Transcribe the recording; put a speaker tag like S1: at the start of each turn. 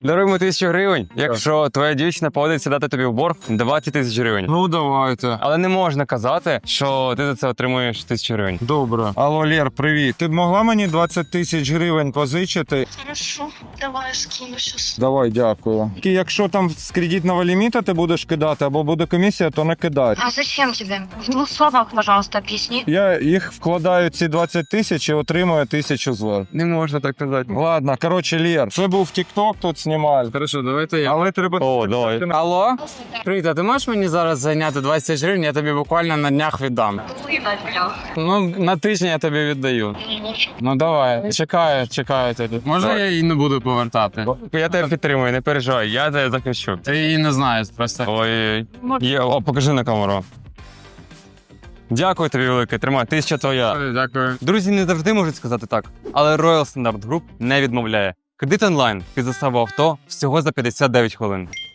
S1: Даруємо 1000 гривень, якщо твоя дівчина погодиться дати тобі в борг 20 тисяч гривень.
S2: Ну, давайте.
S1: Але не можна казати, що ти за це отримуєш 1000 гривень.
S2: Добре. Алло, Лєр, привіт. Ти б могла мені 20 тисяч гривень позичити?
S3: Хорошо, давай скину сейчас.
S2: Давай, дякую. І якщо там з кредитного ліміта ти будеш кидати, або буде комісія, то не кидай.
S3: А зачем тебе? В двух словах, пожалуйста, объясни.
S2: Я їх вкладаю, ці 20 тисяч, і отримую 1000 злот.
S1: Не можна так казати.
S2: Ладно, коротше, Лєр, це був TikTok, тут знімали.
S1: Хорошо, давайте я.
S2: Але треба...
S1: О, давай.
S4: Алло? Привіт, а ти можеш мені зараз зайняти 20 тисяч гривень, я тобі буквально на днях віддам. Ну, на тиждень я тобі віддаю. Ну давай, чекаю тебе. Може я її не буду повертати?
S1: Я тебе підтримую, не переживай, я тебе захищу.
S4: Ти її не знаєш, просто.
S1: Ой, о, покажи на камеру. Дякую тобі велике, тримай, 1000 твоя.
S4: Дякую.
S1: Друзі не завжди можуть сказати так, але Royal Standard Group не відмовляє. Кредит онлайн під заставу авто всього за 59 хвилин.